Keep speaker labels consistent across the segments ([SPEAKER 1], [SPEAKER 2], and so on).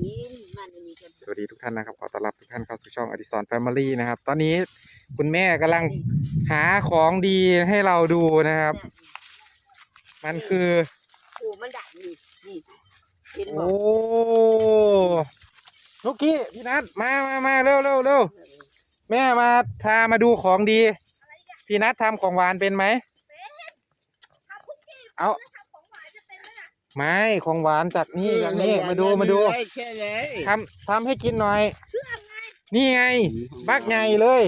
[SPEAKER 1] กินมันมีกัน
[SPEAKER 2] สวัสดีทุกท่านนะครับขอต้อนรับทุกท่านเข้าสู่ช่องอดิศรแฟมิลี่นะครับตอนนี้คุณแม่กำลังหาของดีให้เราดูนะครับ มันคือ
[SPEAKER 1] ผูมันดักนี่เห็นบ่
[SPEAKER 2] โอ้นุกกี้พี่นัทมาเร็วแม่พามาดูของดีพี่นัททำของหวานเป็นไหมเอาไม่ของหวานจากนี่มาดูทำให้กินหน่อยนี่ไงบักใหญ่เลย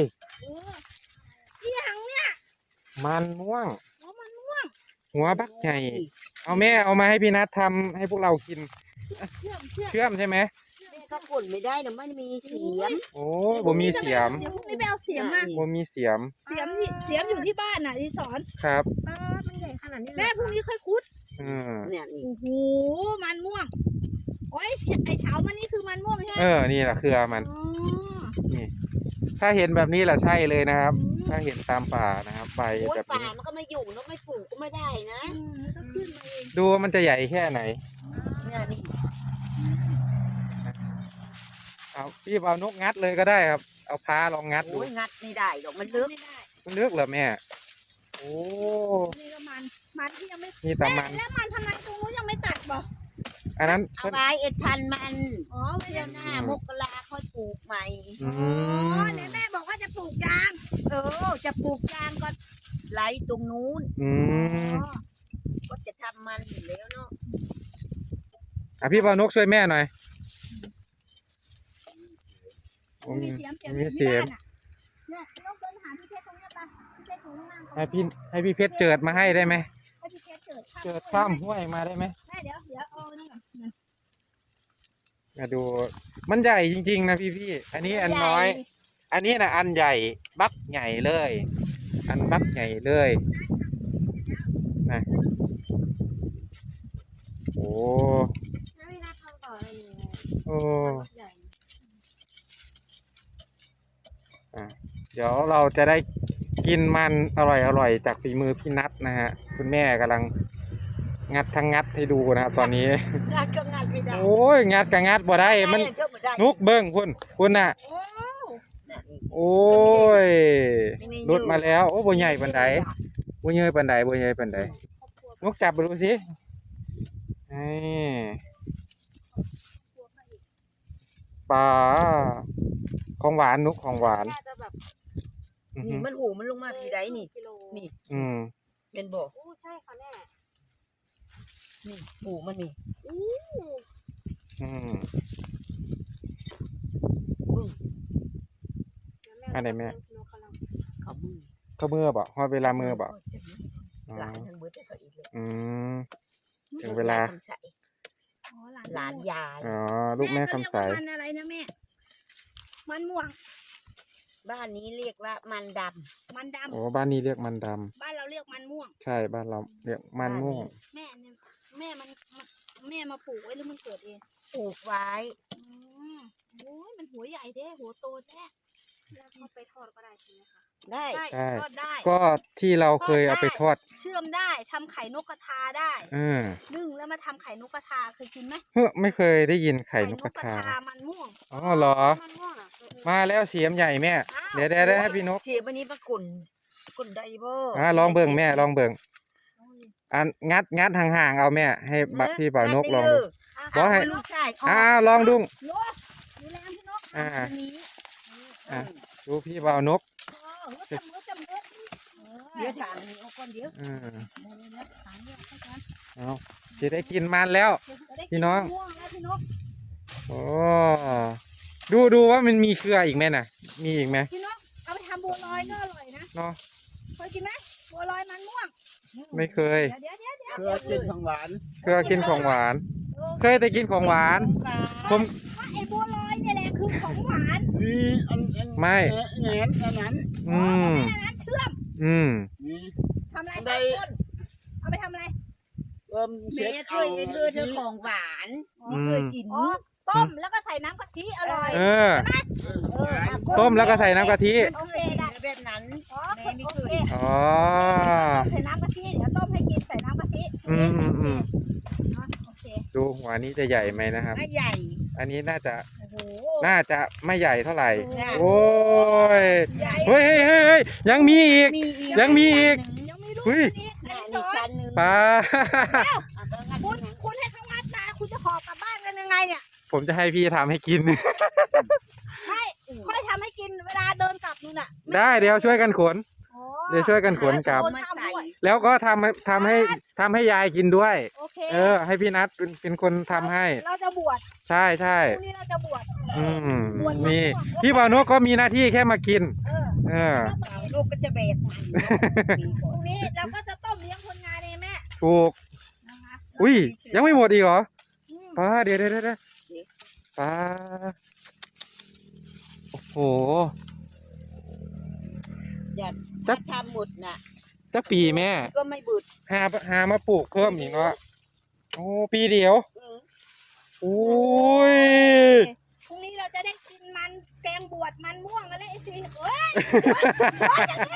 [SPEAKER 2] มันม่วงหัวบักใหญ่เอาแม่เอามาให้พี่นัททำให้พวกเรากินเชื่อมใช่ไหม
[SPEAKER 1] แม่ก็กดไม่ได้นะมันมีเสียม
[SPEAKER 2] โอ้บ่มีเสียม
[SPEAKER 3] เดี๋ยวพรุ่งนี้ไปเอาเสียมมา
[SPEAKER 2] บ่มีเสียม
[SPEAKER 3] อยู่ที่บ้านน่ะที่สอน
[SPEAKER 2] ครับ
[SPEAKER 3] มันใหญ่ขนาดนี้แม่พรุ่งนี้ค่อยคุด
[SPEAKER 1] เนี่ยนี่
[SPEAKER 3] โอ้โหมันม่วงโอ้ยไอเฉามันนี่คือมันม่วงใช่ไหม
[SPEAKER 2] นี่แหละคือมันนี่ถ้าเห็นแบบนี้แหละใช่เลยนะครับ ถ้าเห็นตามป่านะครับใบแบบ
[SPEAKER 1] ป่า
[SPEAKER 2] นี้
[SPEAKER 1] มันก็ไม่อยู่นกไม่ปลูกก็ไม่ได้นะ
[SPEAKER 3] ก็ขึ้นมาเอง
[SPEAKER 2] ดูมันจะใหญ่แค่ไหน
[SPEAKER 1] เนี่ยนี่
[SPEAKER 2] เอาพี่เอานกงัดเลยก็ได้ครับเอาพาลองงัดดู
[SPEAKER 1] งัดไม่ได้หรอกมันลึก
[SPEAKER 2] เหรอแม่โอ้
[SPEAKER 3] นี่ก็มันที่ยังไม่
[SPEAKER 2] นี่แต่มัน
[SPEAKER 3] แล้วมันทำไมตรงนู้นยังไม่ตัดบ่
[SPEAKER 2] อันนั้น
[SPEAKER 1] เอาไว้เอ็ดพันมันเดือนหน้ามกราค่อยปลูกใหม่
[SPEAKER 3] เนี่ยแม่บอกว่าจะปลูกยาง
[SPEAKER 1] จะปลูกยางก็ไหลตรงนู้นก็จะทำมันอยู่แล้วเนาะ
[SPEAKER 2] พี่ปานกช่วยแม่หน่อย
[SPEAKER 3] มีเสียม
[SPEAKER 2] เนี่ย
[SPEAKER 3] น้องเดินหาพี่เพชรตรงนี้ป่ะพี่เพชรตรงล่าง
[SPEAKER 2] ให้พี่เพชรเจิดมาให้ได้ไหม
[SPEAKER 3] ให้พี่เพชร
[SPEAKER 2] เจิดข้ามห้วยมาได้ไหม
[SPEAKER 3] แม่เดี๋ยวเอานั่นก่อน
[SPEAKER 2] มาดูมันใหญ่จริงๆนะพี่อันนี้อันน้อยอันนี้นะอันใหญ่บักใหญ่เลยอันบักใหญ่เลยนะโอ้เดี๋ยวเราจะได้กินมันอร่อยจากฝีมือพี่นัทนะฮะคุณแม่กำลังงัดให้ดูนะครับตอนนี้
[SPEAKER 1] งัดก็งัดไม่ได้
[SPEAKER 2] โอ้ยงัดก็งัดบ่ได้มันนุกเบิ้งคุณน่ะโอ้ยรุดมาแล้วโอ้บ่ใหญ่ปานใดบ่ใหญ่ปานใดนุกจับไปดูสิปลาของหวานนุกของหวาน
[SPEAKER 1] นี่มันหูมันลงมาทีใดนี่เป็นบ่
[SPEAKER 3] ใช่ค่ะแม่
[SPEAKER 1] นี่หูมันนี่
[SPEAKER 2] อันไหนแม่
[SPEAKER 1] เขา
[SPEAKER 2] มือบ่ฮอดเวลามือบ่ถึงเวลา
[SPEAKER 1] หลานยาย
[SPEAKER 2] ลูกแม่คำใส
[SPEAKER 3] มันอะไรนะแม่มันม่วง
[SPEAKER 1] บ้านนี้เรียกว่ามันด
[SPEAKER 3] ำ
[SPEAKER 2] โอ้บ้านนี้เรียกมันดำ
[SPEAKER 3] บ้านเราเรียกมันม่วง
[SPEAKER 2] ใช่บ้านเราเรียกมันม่วง
[SPEAKER 3] แม่มาปลูกไว้หรือมันเกิดเอง
[SPEAKER 1] ปลูกไว้
[SPEAKER 3] โอ้ยมันหัวใหญ่แท้หัวโตแท้แล้วเขาไปทอดก็ได้ใช่ไหมคะ
[SPEAKER 1] ได้
[SPEAKER 3] ทอดได้
[SPEAKER 2] ก็ที่เราเคยเอาไปทอด
[SPEAKER 3] เชื่อมได้ทำไข่นกกระทาได้นึ่งแล้วมาทำไข่นกกระทาเคยกินไหม
[SPEAKER 2] ไม่เคยได้ยินไข่นกกระทา
[SPEAKER 3] มันม่วง
[SPEAKER 2] อ๋อเหรอมาแล้วเสียมใหญ่แม่เดี๋ยวได้ให้พี่นก
[SPEAKER 1] เสียมวันนี้ปรากฏได้บ่
[SPEAKER 2] ลองเบิ่งแม่ลองเบิ่งอันงัดห่างๆเอาแม่ให้พี่บ่าวนกลองดูบอกให้ลองดูดูพี่บ่าวนก
[SPEAKER 1] เดี๋ยวถามนี่เอาก่อนเดี๋ยว
[SPEAKER 2] จะได้กินมันแล้วพี่น้องโอ้ดูว่ามันมีเครืออีกไหมน่ะมีอีกไหม
[SPEAKER 3] พี่น้องเอาไปทำบัวลอยก็อร่อยนะ
[SPEAKER 2] เนาะ
[SPEAKER 3] เคยกินไหมบัวลอยมันม่วง
[SPEAKER 2] ไม่เคย
[SPEAKER 1] เคยกินของหวาน
[SPEAKER 2] เคยกินของหวานเคยแต่กินของหวานผม
[SPEAKER 3] ไอ้บัวลอยเนี่ยแหละคือของหวาน
[SPEAKER 2] ไม่
[SPEAKER 1] แหนมอันนั้น
[SPEAKER 3] เชื่อมทำอะไรเอาไปทำอะไร
[SPEAKER 1] แม่เคยเธอของหวานเคยกิน
[SPEAKER 3] ต้มแล้วก็ใส่น้ำกะทิอร่อย
[SPEAKER 2] ใช่ไหมต้มแล้วก็ใส่น้ำกะทิ
[SPEAKER 3] โอเค
[SPEAKER 1] แบบนั้นแม่ไม่เคย
[SPEAKER 3] ใส่น้ำกะทิเดี๋ยวต้มให้กินใส่น้ำกะทิโอเค
[SPEAKER 2] ดูหัวนี้จะใหญ่ไหมนะครับ
[SPEAKER 1] ไม่ใหญ่
[SPEAKER 2] อันนี้น่าจะ
[SPEAKER 3] โอ้โห
[SPEAKER 2] น่าจะไม่ใหญ่เท่าไหร่
[SPEAKER 1] เนี่ย
[SPEAKER 2] โอ้ย
[SPEAKER 3] ใหญ่
[SPEAKER 2] เฮ้ยเฮ้ยเฮ้ยเฮ้ยยังมีอีก
[SPEAKER 1] มีอีก
[SPEAKER 2] ยังมีอีก
[SPEAKER 3] ยังไม่รู้
[SPEAKER 2] เฮ้ย
[SPEAKER 3] อัน
[SPEAKER 1] นี่
[SPEAKER 3] นี้สอน
[SPEAKER 1] ชั้นหนึ่ง
[SPEAKER 2] ปลา
[SPEAKER 3] คุณให้ทั้งวัดมาคุณจะหอบกลับบ้านกันยังไงเนี่ย
[SPEAKER 2] ผมจะให้พี่ทำให้กิน
[SPEAKER 3] ไม่ค่อยทำให้กินเวลาเดินกลับนู่นน่ะ
[SPEAKER 2] ได้เดี๋ยวช่วยกันขน
[SPEAKER 3] อ๋อ
[SPEAKER 2] เดี๋ยวช่วยกันขนกลับ
[SPEAKER 3] คนทำด้วย
[SPEAKER 2] แล้วก็ทำให้ยายกินด้วย
[SPEAKER 3] โอเค
[SPEAKER 2] ให้พี่นัทเป็นคนทำให้
[SPEAKER 3] เราจะบวช
[SPEAKER 2] ใช่ใช่
[SPEAKER 3] พรุ่งนี้เราจะบวช
[SPEAKER 2] อืม
[SPEAKER 3] บวช
[SPEAKER 2] นี่
[SPEAKER 3] บวช
[SPEAKER 2] พี่บ่าวนกก็มีหน้าที่แค่มากิน
[SPEAKER 3] เออ
[SPEAKER 1] ลูกก็จะแบกมัน
[SPEAKER 3] พรุ่งนี้เราก็จะต้มเลี้ยงคนงานเองแม่
[SPEAKER 2] ถูก
[SPEAKER 3] นะคะ
[SPEAKER 2] อุ้ยยังไม่หมดอีกเหรอ
[SPEAKER 3] อืม
[SPEAKER 2] ป้าเดี๋ยวป้าโอ้โห
[SPEAKER 1] อย่า
[SPEAKER 2] จั
[SPEAKER 1] ถ้าก ทำหมดน่ะ
[SPEAKER 2] จะปีแม่
[SPEAKER 1] ก็ไม่บุด
[SPEAKER 2] หามาปลูกเพิ่มอีกเนาะโอ้ปีเดียว
[SPEAKER 1] อืม
[SPEAKER 2] อุ้ย
[SPEAKER 3] พรุ่งนี้เราจะได้กินมันแกงบวชมันม่วงกันเลยไอ้สิเอ้ย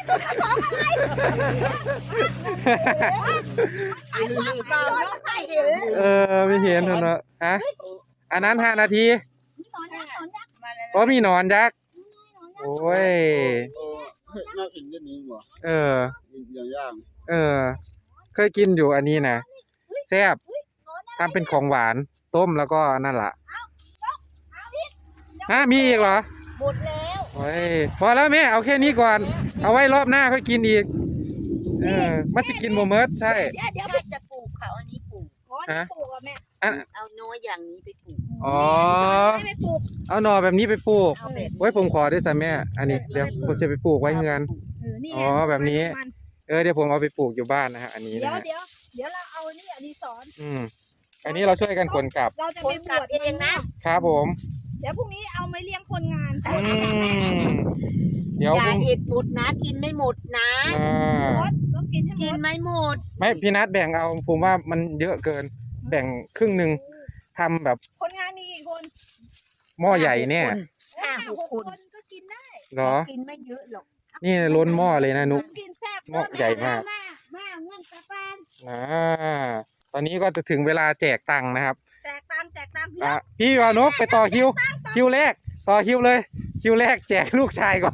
[SPEAKER 3] ไอ้ความ
[SPEAKER 1] เปล่า
[SPEAKER 3] ร้อน
[SPEAKER 1] น้อง
[SPEAKER 3] มัน
[SPEAKER 1] ไข่
[SPEAKER 3] ไข่
[SPEAKER 1] เห็น
[SPEAKER 2] ไม่เห็นเนาะฮะอันนั้น5 นาที
[SPEAKER 3] หนอนยักษ์หนอนยักษ์
[SPEAKER 1] มาแล้ว
[SPEAKER 2] เพราะมีหนอนยักษ์
[SPEAKER 3] หนอนยักษ์
[SPEAKER 2] โอ้ย
[SPEAKER 4] น่ากินก็นี้หรอ
[SPEAKER 2] เออ
[SPEAKER 4] กินย่าง
[SPEAKER 2] เคยกินอยู่อันนี้นะแซ่บ
[SPEAKER 3] หนอนยักษ์
[SPEAKER 2] ทำเป็นของหวานต้มแล้วก็นั่นล่ะ
[SPEAKER 3] เอาอีก
[SPEAKER 2] มีอีกเหรอ
[SPEAKER 1] หมดแล้ว
[SPEAKER 2] โอ้ยพอแล้วแม่เอาแค่นี้ก่อน เอาไว้รอบหน้าค่อยกินอีกมันจะกินโมเมิร์ดใช่
[SPEAKER 3] เดี๋ยว
[SPEAKER 1] ถ้าจะปลูกเขาอันนี้ปลูก
[SPEAKER 3] ขอนี่ปลูกอ่ะแม่
[SPEAKER 1] เอาน้อยอย่างนี้ไปปลูก
[SPEAKER 2] อ๋อ
[SPEAKER 3] ไม่ไปปลูก
[SPEAKER 2] เอาหน่อแบบนี้ไปปลูก
[SPEAKER 1] เอาแบบ
[SPEAKER 2] ไว้ผมขอด้วยสิแม่อันนี้เดี๋ยวผมจะไปปลูกไว้เงิน
[SPEAKER 3] นี่
[SPEAKER 2] อ๋อแบบนี้ เดี๋ยวผมเอาไปปลูกอยู่บ้านนะฮะอันนี้
[SPEAKER 3] เดี๋ย
[SPEAKER 2] นะ
[SPEAKER 3] ว
[SPEAKER 2] ฮะ
[SPEAKER 3] เดี๋ยวเราเอานี่อดีศร
[SPEAKER 2] อันนี้เราช่วยกันขนกลับ
[SPEAKER 3] เราจะ
[SPEAKER 1] ค
[SPEAKER 3] ไป
[SPEAKER 1] น
[SPEAKER 3] บ
[SPEAKER 1] กลั
[SPEAKER 3] ว
[SPEAKER 1] บ
[SPEAKER 3] ช
[SPEAKER 1] เองนะ
[SPEAKER 2] ครับผม
[SPEAKER 3] เดี๋ยวพรุ่งนี้เอาไม่เลี้ยงคนงาน
[SPEAKER 2] อืมเดี๋ยว
[SPEAKER 1] อย่า
[SPEAKER 2] พรุ่ง
[SPEAKER 1] อิดหมดนะ กินไม่หมดนะ
[SPEAKER 2] อ่า
[SPEAKER 3] หมดต้องกินให้หม
[SPEAKER 1] กิน
[SPEAKER 3] ด
[SPEAKER 1] ไม่หมด
[SPEAKER 2] ไม่พี่นัทแบ่งเอาผมว่ามันเยอะเกิน แบ่งครึ่งหนึ่งทำแบบ
[SPEAKER 3] คนงานมีกี่คน
[SPEAKER 2] หม้อใหญ่เนี่ย
[SPEAKER 1] ห้าหกคน
[SPEAKER 3] ก็กินได้
[SPEAKER 2] เหรอ
[SPEAKER 1] กินไม่เยอะหรอก
[SPEAKER 2] นี่ล้นหม้อเลยนะนุก
[SPEAKER 3] กินแซ่บ
[SPEAKER 2] หม้อใหญ่มาก
[SPEAKER 3] มาเงินตะปาน
[SPEAKER 2] ตอนนี้ก็จะถึงเวลาแจกตังค์นะครับ
[SPEAKER 3] แจกตามพี่
[SPEAKER 2] พี่วานกไปต่อคิว คิวแรก ต่อคิวเลย คิวแรกแจกลูกชายก่อน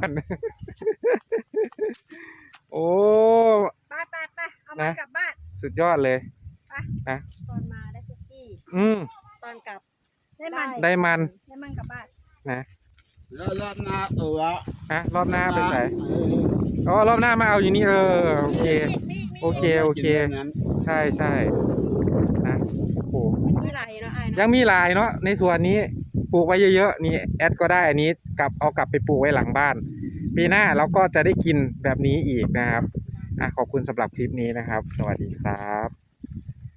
[SPEAKER 2] โอ้
[SPEAKER 3] ไปเอามันกลับบ้าน
[SPEAKER 2] สุดยอดเลย
[SPEAKER 3] ตอนมาได้คุกกี้
[SPEAKER 2] อืม
[SPEAKER 3] ตอนกลับได้มัน
[SPEAKER 2] ได้มัน
[SPEAKER 3] ได้มันกลับบ้าน
[SPEAKER 4] ๆแล้วรอบหน้าตัว
[SPEAKER 2] รอบหน้าไปใส่อ๋อรอบหน้ามาเอาอยู่นี่โอเค โอเค ใช่นะโอ้โห
[SPEAKER 3] มีไหลแล้วไอ้
[SPEAKER 2] ยังมีหลายเนาะในส่วนนี้ปลูกไว้เยอะๆนี่แอดก็ได้อันนี้เอากลับไปปลูกไว้หลังบ้าน ปีหน้าเราก็จะได้กินแบบนี้อีกนะครับขอบคุณสำหรับคลิปนี้นะครับ สวัสดีครับ